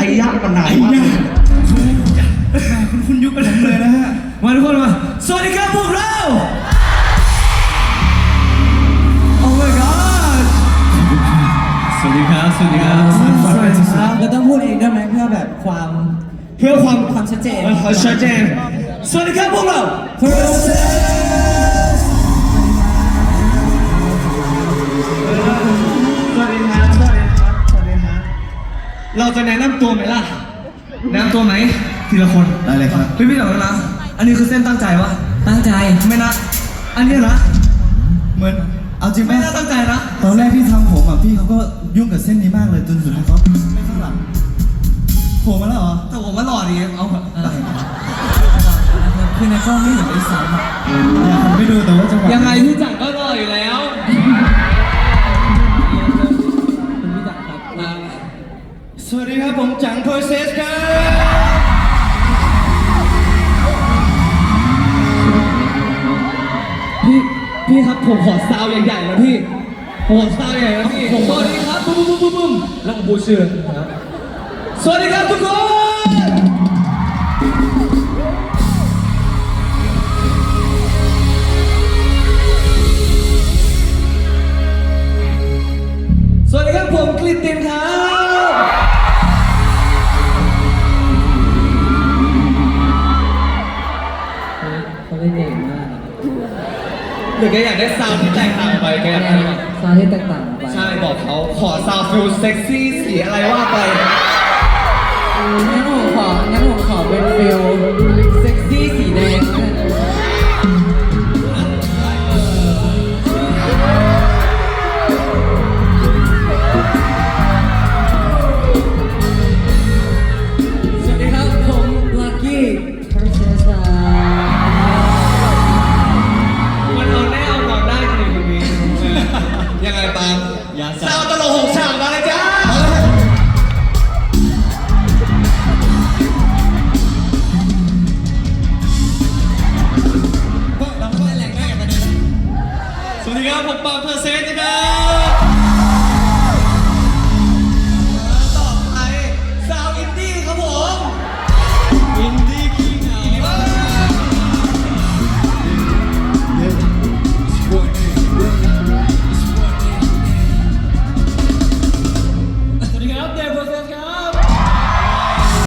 ยากมันไหนคุณยุคกันเลยนะฮะมาทุกคนมาสวัสดีครับพวกเราโอ้ my god สวัสดีครับสวัสดีครับเราต้องพูดเองได้ไหมเพื่อแบบความชัดเจนชัดเจนสวัสดีครับพวกเรา เราจะแนะนำตัวไหมล่ะแนะนำตัวไหมทีละคนได้เลยครับพี่เดี๋ยวนะอันนี้คือเส้นตั้งใจวะตั้งใจไม่นะอันนี้นะเหมือนเอาจริงไหมไม่น่าตั้งใจนะตอนแรกพี่ทำผมอ่ะพี่เขาก็ยุ่งกับเส้นนี้มากเลยจนสุดท้ายเขาไม่ข้างหลังผมมาแล้วเหรอแต่ผมว่าหล่อดีเอาคือในกล้องไม่เห็นด้วยซ้ำอ่ะไม่ดูแต่ว่าจังหวะยังไงพี่จังก็หล่ออยู่แล้วคุณพี่จักรครับสวัสดีครับผมจังโพเซสครับพี่ครับผมขอซาวใหญ่ๆนะพี่ผมขอซาวใหญ่นะพี่สวัสดีครับปุ๊บปุ๊บปุ๊บปุ๊บแล้วผมพูดชื่อสวัสดีครับทุกคนสวัสดีครับผมกลิตตินครับเขาเล่นเก่งมากหรือแกอยากได้ซาวด์ที่แตกต่างไปแกอยากได้ไหมซาวด์ที่แตกต่างไปใช่บอกเขาขอซาวด์ฟิลเซ็กซี่สีอะไรว่าไปงั้นผมขอเป็นฟิลเซ็กซี่สีแดงสวัสดีครับผมลักกี้เพอร์เซสมันเอาแน่เอานอนได้จริงๆนี้ยังไงปาล์มซาวด์ตลก6 ฉากมาเลยจ้าสวัสดีครับผมปาล์มเพอร์เซสนะครับ